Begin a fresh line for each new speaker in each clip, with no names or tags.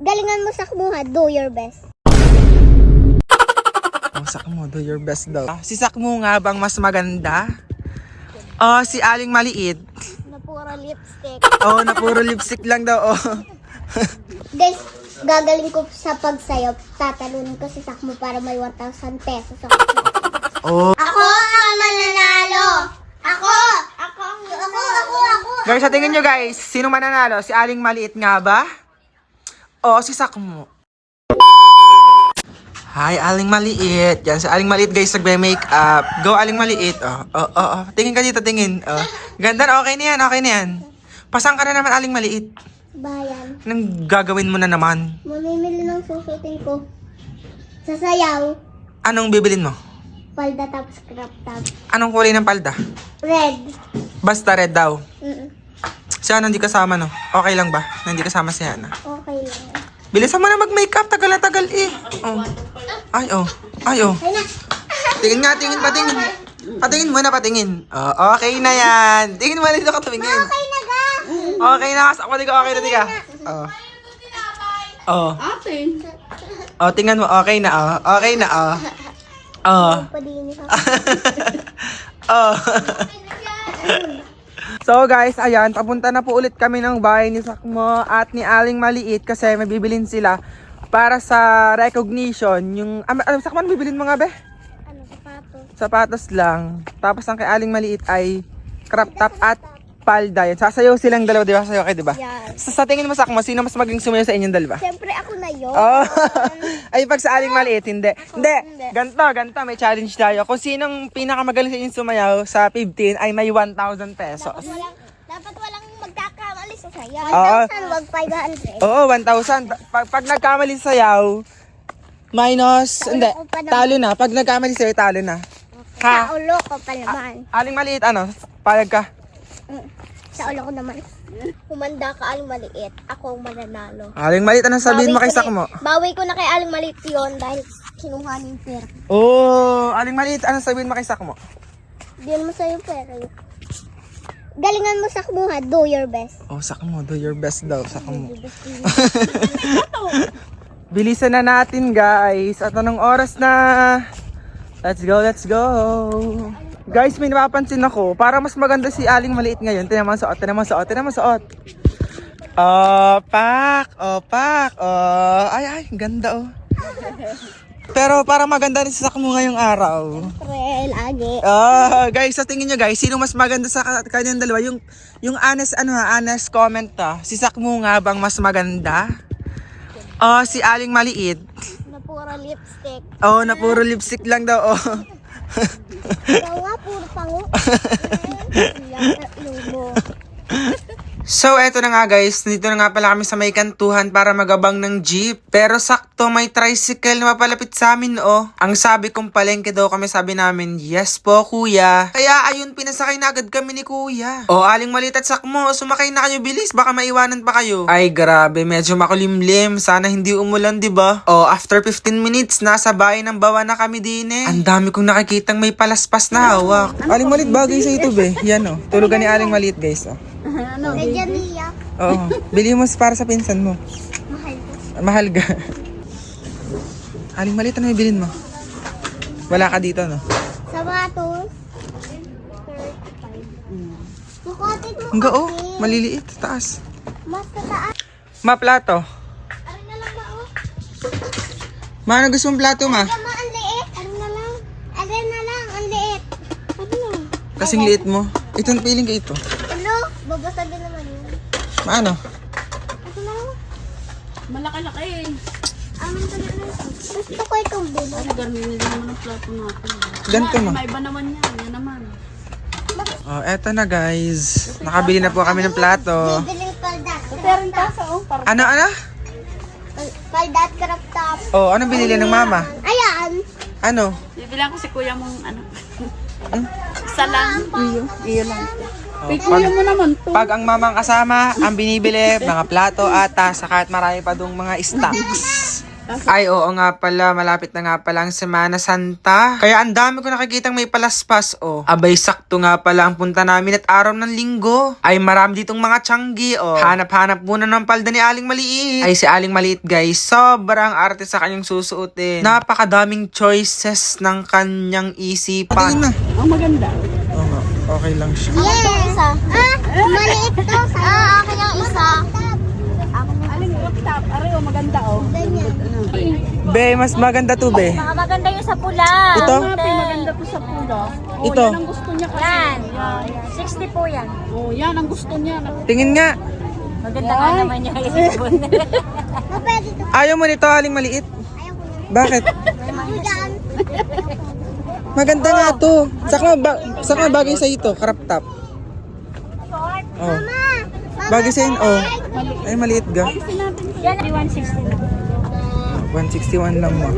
Galingan mo sa kumuha, do your best.
Oh, Sakmo, do your best daw. Si Sakmo nga bang mas maganda? Si Aling Maliit.
Na puro lipstick.
Na puro lipstick lang daw.
Guys, gagaling ko sa pagsayaw. Tatalunin ko si Sakmo para may 1,000 pesos ako. Ako ang mananalo! Ako!
Guys, sa tingin nyo guys, sino mananalo? Si Aling Maliit nga ba? O si Sakmo? Hi, Aling Maliit. Yan, si Aling Maliit guys, nagbe-makeup. Go, Aling Maliit. Tingin ka dito, tingin. Ganda, okay na yan. Pasang ka na naman, Aling Maliit.
Bayan.
Anong gagawin mo na naman?
Mamimili ng susutin ko. Sa sayaw,
Anong bibilin mo?
palda tapos crop top.
Anong kulay ng palda?
Red.
Basta red daw. Si Ana hindi kasama, no? Okay lang ba? Na hindi kasama si Ana.
Okay lang.
Bilisan mo na mag-makeup. Tagal na tagal eh. Ay,
Ay na.
Tingin nga, patingin. Patingin muna, patingin. Okay na yan. Tingin mo na dito ka tumingin.
Okay na ga.
Okay na. Sakmo, di ka. Okay na, di ka.
Atin.
Tingnan mo. Okay na, Okay na,
Padinis ako.
So guys, ayan, papunta na po ulit kami ng bahay ni Sakmo at ni Aling Maliit kasi may bibilin sila para sa recognition. Yung, Sakmo, bibilin mo nga be?
Ano, sapatos.
Sapatos lang. Tapos ang kay Aling Maliit ay crop top at palda. Yan. Sasayaw silang dalawa, di ba? Sasayaw kayo, di ba?
Yan.
Sa tingin mo, Sakmo, sino mas magaling sumayaw sa inyong dalawa?
Siyempre ako na yun.
Ay, pag sa Aling Maliit, hindi. Hindi. Ganto, may challenge tayo. Kung sinong pinakamagaling sa inyong sumayaw sa 15 ay may 1,000 pesos.
Dapat walang magkakamali sa sayaw.
Oo.
1,000, wag 500.
Oo, 1,000. Pag nagkamali sayaw, minus, hindi, talo na. Pag nagkamali sa'yo, talo na. Ha?
Sa ulo ko pa naman.
Aling Maliit, payag ka?
Sa ulo ko naman. Humanda ka, Aling Maliit. Ako ang mananalo.
Aling Maliit, anong sabihin mo kay Sakmo?
Bawi ko na kay Aling Maliit yun dahil kinuha niya yung pera.
Aling Maliit, anong sabihin mo kay Sakmo?
Diyan mo sa'yo yung pera yun. Galingan mo sa kumuha, do your best.
Sakmo, do your best daw, Sakmo. Bilisan na natin, guys. At anong oras na? Let's go. Guys, may napapansin ako. Para mas maganda si Aling Maliit ngayon. Tinan mo ang suot. Opak. Ay, ganda Pero para maganda rin si Sakmo ngayong araw.
Pre, lagi.
Guys, sa tingin nyo guys, sino mas maganda sa kanyang dalawa? Yung honest comment Si Sakmo nga bang mas maganda? Si Aling Maliit.
Na puro lipstick.
Na puro lipstick lang daw.
Ikaw nga, puro pango. Lumo.
So, eto na nga guys. Dito na nga pala kami sa may kantuhan para magabang ng jeep. Pero sakto, may tricycle na mapalapit sa amin, Ang sabi kong palengke daw kami, sabi namin, yes po, kuya. Kaya ayun, pinasakay na agad kami ni kuya. Aling Maliit at Sakmo, sumakay na kayo bilis. Baka maiwanan pa kayo. Ay, grabe. Medyo makulimlim. Sana hindi umulan, diba? After 15 minutes, nasa bahay ng Bawa na kami din Ang dami kong nakikitang may palaspas na hawak. Aling Maliit, bagay sa ito, be. Yan, Tulugan ni Aling Maliit, guys,
Medyo niya.
Bili mo para sa pinsan mo.
Mahal ko.
Mahal ka. Aling Maliit, ano yung bilhin mo? Wala ka dito, no?
Sapatos. 35. Mukotit mo
Hangga,
kasi.
maliliit, taas.
Mas kataas.
Plato.
Ano na lang ba,
Ano gusto mong plato, ma?
Tama, ang liit. Ano na lang, ang liit. Ano?
Kasing liit mo. Itong piling ka ito.
Ano? Babasagin naman yun.
Ano?
Ito na lang.
Malaki-laki eh.
Amin ka na lang. Gusto ko itong bilo.
Ay, garminin din naman ang plato natin.
Ganito, ma.
May iba naman yan. Yan naman.
Eto na, guys. Nakabili na po kami ng plato.
Bibiling palda.
Pero yung tasa para
Ano?
Palda at crop top.
Anong binili ng mama?
Ayan.
Ano?
bibilang ko si kuya mong isa lang. Iyo lang.
Pag,
Kuya mo naman to.
pag ang mamang kasama, ang binibili, mga plato, ata, saka at marami pa dong mga stocks. Ay, oo nga pala. Malapit na nga pala ang Semana Santa. Kaya ang dami ko nakikitang may palaspas, oh. Abay, sakto nga pala ang punta namin at araw ng linggo. Ay, marami ditong mga tiyanggi, oh. Hanap-hanap muna ng palda ni Aling Maliit. Ay, si Aling Maliit, guys, sobrang arte sa kanyang susuotin. Napakadaming choices ng kanyang isipan. Tingin na.
Ang maganda.
Oo nga, okay lang siya.
Yes! Maliit to. Akin yung isa.
Aling crop top. Aray, maganda oh.
Be, mas maganda to, be.
Maganda yung sa pula.
Ito?
Maganda po sa pulo. Oh,
Ito?
yan ang gusto niya kasi.
Yan.
Yan.
60 po yan.
Oh, yan ang gusto niya.
Tingin nga.
Maganda nga naman yung isipon. Pwede to.
Ayaw mo nito, Aling Maliit.
Ayaw ko na.
Bakit?
Mahigaan.
Maganda nga to. Saka bagay sa ito, crop top. Oh. Bagay sa yun, oh. Ay, maliit ga.
Yan, 160 na.
161 lang mo.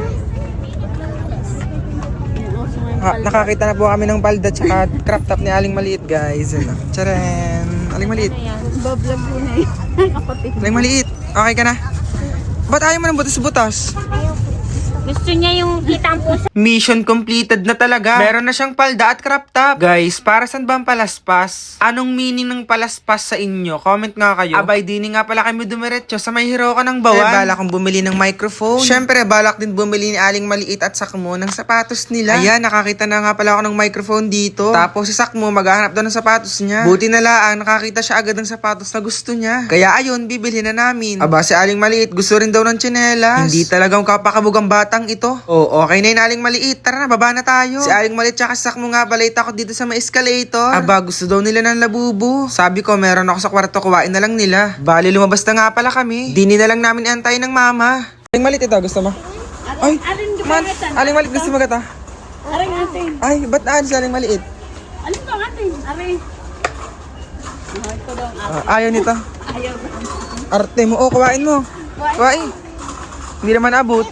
Nakakita na po kami ng palda tsaka crop top ni Aling Maliit, guys. Ano? Tcharan! Aling Maliit.
Bablog po na yun. Kapatid.
Aling Maliit, okay ka na? Ba't ayaw mo ng butas-butas?
Gusto niya yung kita ang puso.
Mission completed na talaga. Meron na siyang palda at crop top. Guys, para saan ba ang palaspas? Anong meaning ng palaspas sa inyo? Comment nga kayo. Abay, dini nga pala kami dumiretso sa may hero ka ng bawan. Balak kong bumili ng microphone. Syempre, balak din bumili ni Aling Maliit at Sakmo ng sapatos nila. Ayan, nakakita na nga pala ako ng microphone dito. Tapos si Sakmo, maghahanap daw ng sapatos niya. Buti na lang, nakakita siya agad ng sapatos na gusto niya. Kaya ayun, bibili na namin. Aba, si Aling Maliit, gusto rin daw ng tsinelas. Hindi talagang kapakabugang batang ito. Oh, okay na yun, Aling Maliit. Tara na, baba na tayo. Si Aling Maliit tsaka si Sakmo nga balay takot dito sa may escalator. Aba, gusto daw nila ng labubu. Sabi ko, meron ako sa kwarto, kuwain na lang nila. Bali, lumabas na nga pala kami. Dini na lang namin antay ng mama. Aling Maliit ito, gusto mo? Ay, man, Aling Maliit, gusto mo gata?
Aray natin.
Ay, ba't naan si Aling Maliit?
Alin ba natin? Aray. Oh, ito daw ang
Ayaw nito.
ayaw.
Arte mo, oh, kuwain mo. Kuwain. Hindi naman abot.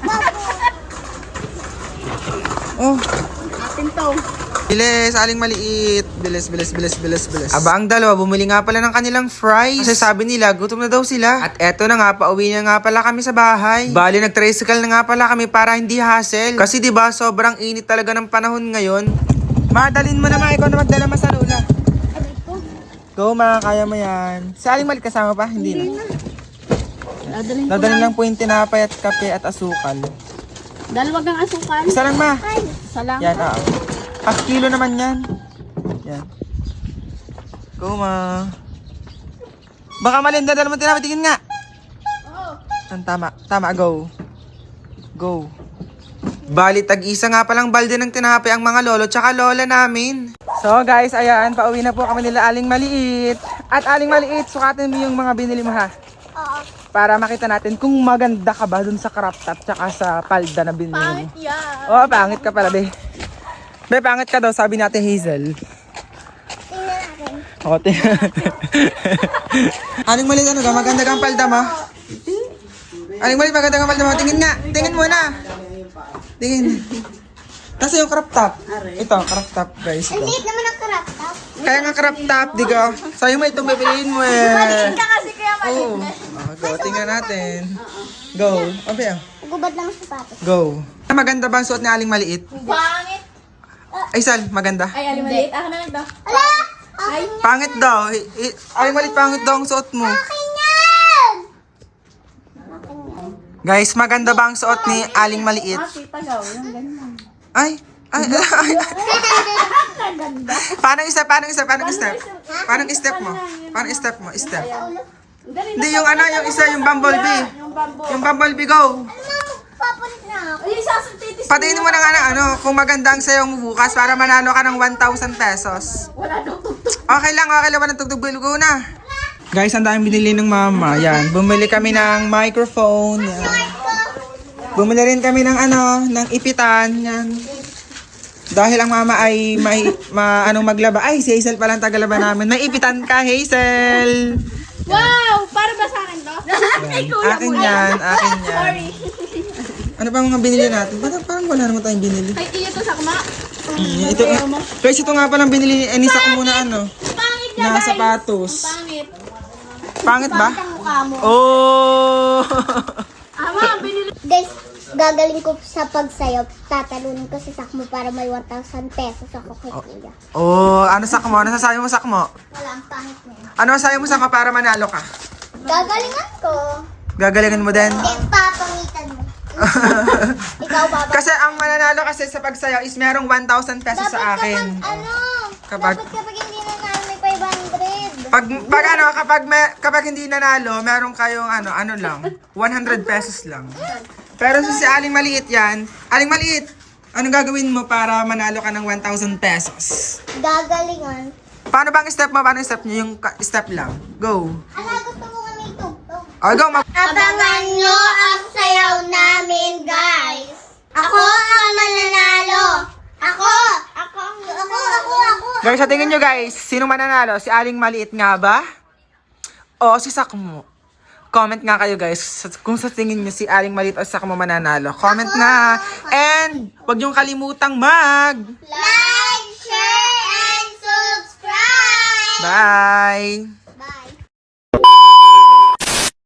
Oh,
Atin to.
bilis, Aling Maliit. Bilis. Aba, ang dalawa, bumili nga pala ng kanilang fries. Kasi sabi nila, gutom na daw sila. At eto na nga, pauwi na nga pala kami sa bahay. Bali, nag-tricycle na nga pala kami para hindi hassle. Kasi diba, sobrang init talaga ng panahon ngayon. Madalin mo naman, ikaw na magdala masalula. Go, ma, kaya mo yan. Si Aling Maliit kasama pa? Hindi na.
Dadalhin ko
Dadalhin
lang.
lang po yung tinapay at kape at asukal.
Dalawag ang asukal.
Isa lang, ma.
Isa lang.
Yan, half kilo naman yan. Yan. Go, ma. Baka malinda, dala mo tinapay. Tingin nga. Tama, go. Go. Bali, tag-isa nga palang balde ng tinapay ang mga lolo tsaka lola namin. So guys, ayan, pauwi na po kami nila Aling Maliit. At Aling Maliit, sukatin mo yung mga binili mo ha.
Oo.
Para makita natin kung maganda ka ba dun sa crop top tsaka sa palda na binili mo.
Pangit yan.
Oh, pangit ka pala, be. Be, pangit ka daw, sabi natin Hazel.
Tingnan natin.
O, Aling Maliit, ano ka? Maganda kang palda mo? Aling Maliit, maganda kang palda mo? Tingin nga. Tingin mo na. Tingin. Kasi yung crop top. Ito, crop top, guys.
Ang
Ito.
liit naman ang crop top.
Kaya nga crop top, di ka? Sa'yo mo itong bibiliin mo eh.
Maliit ka kasi kaya maliit
Oo.
na.
Go, tingnan natin. Go. Okay,
Gubad lang ang sapatos.
go. Maganda ba ang suot ni Aling Maliit?
Pangit.
Ay, Sal, maganda.
Ay, alin maliit. Ako na ito.
Ala! Akin yan.
Pangit daw. Aling Maliit, pangit daw ang suot mo.
Akin yan!
Guys, maganda ba ang suot ni Aling Maliit?
Kita gaw. Yung ganyan.
Ay. Paano step mo? Step. Hindi, yung ano, yung isa, yung bumblebee.
Yung bamboo.
Yung bumblebee, go.
Papalit na ako.
Ay, sasuntitis.
Patingin mo na nga ano, kung maganda ang sayo mo bukas para manalo ka ng 1,000 pesos.
Wala daw tugtog.
Okay lang, walang tugtog, bilgo na. Guys, ang daming binili ng mama. Yan, bumili kami ng microphone. Yan. Bumili rin kami ng ano, ng ipitan. Yan. Dahil ang mama ay anong maglaba. Ay, si Hazel pala ang tagalaba namin. May ipitan ka, Hazel.
Wow! Para ba sa akin to?
Akin yan. Ano pa mga binili natin? Parang wala naman tayong binili.
Ay, iyo to sa kama.
Ito, guys, ito nga palang binili ni Sakmo na ano.
Pangit
Na sapatos.
Pangit.
Pangit ba?
Ang mukha mo.
Oh!
Ama, binili.
Guys, gagaling ko sa pagsayaw, tatalunin ko si Sakmo para may 1,000 pesos ako kay Kuya.
Oh, ano sakmo? Ano sasabi mo sakmo?
Wala, ang pangit na yun.
Ano sasabi mo sakmo para manalo ka?
Gagalingan ko.
Gagalingan mo din?
Hindi, papangitan mo. Ikaw, baba.
Kasi ang mananalo kasi sa pagsayaw is merong 1,000 pesos sa akin.
Dapat kapag hindi na namin may 500.
Kapag hindi nanalo, meron kayong ano lang, 100 pesos lang. Pero si Aling Maliit yan, Aling Maliit, anong gagawin mo para manalo ka ng 1,000 pesos?
Gagalingan.
Paano bang step mo? Paano yung step nyo? Yung step lang. Go.
Gusto mo nga may tugtog.
Go.
Abangan nyo ang sayaw namin, guys. Ako ang mananalo. Ako.
Guys, sa tingin nyo guys, sino mananalo? Si Aling Maliit nga ba? O si Sakmo? Comment nga kayo guys kung sa tingin nyo si Aling Maliit o si Sakmo mananalo. Comment na. And huwag nyong kalimutang
Like, share, and subscribe.
Bye!